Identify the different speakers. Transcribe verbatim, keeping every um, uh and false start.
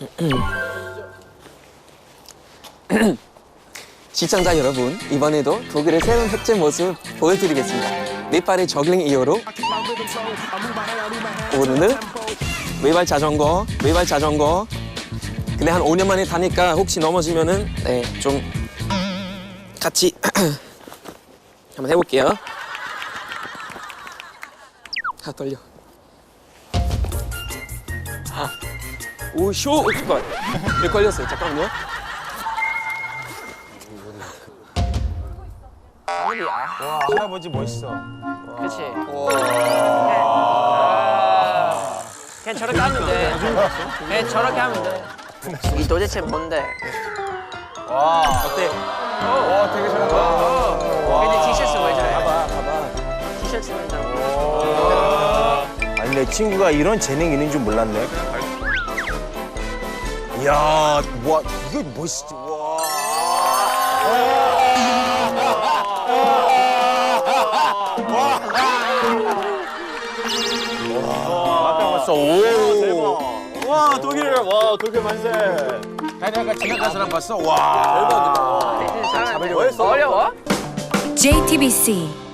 Speaker 1: 시청자 여러분, 이번에도 독일의 새로운 흑제 모습 보여드리겠습니다. 네팔의 저글링 이어로 오늘은 외발 자전거, 외발 자전거. 근데 한 오 년 만에 타니까 혹시 넘어지면은 네, 좀 같이 한번 해볼게요. 아 떨려. 아, 오 쇼! 어, 잠깐. 왜 걸렸어요? 잠깐만요.
Speaker 2: 할아버지 멋있어.
Speaker 3: 그렇지. 그냥 저렇게 하면 돼. 그냥 저렇게 하면 돼. 이 도대체 뭔데?
Speaker 1: 어때?
Speaker 2: 와, 되게 잘한다.
Speaker 3: 근데 티셔츠 왜 저래?
Speaker 1: 봐봐, 봐봐.
Speaker 3: 티셔츠 왜 저래?
Speaker 2: 아니, 내 친구가 이런 재능이 있는 줄 몰랐네. 이야, 와, 이게 멋있지. 와. 아까 봤어. 오, 대박. 와, 독일, 와, 독일 만세. 아니, 아까 지나간 사람 봤어? 와. 대박이다.
Speaker 3: 어려워?
Speaker 4: 제이티비씨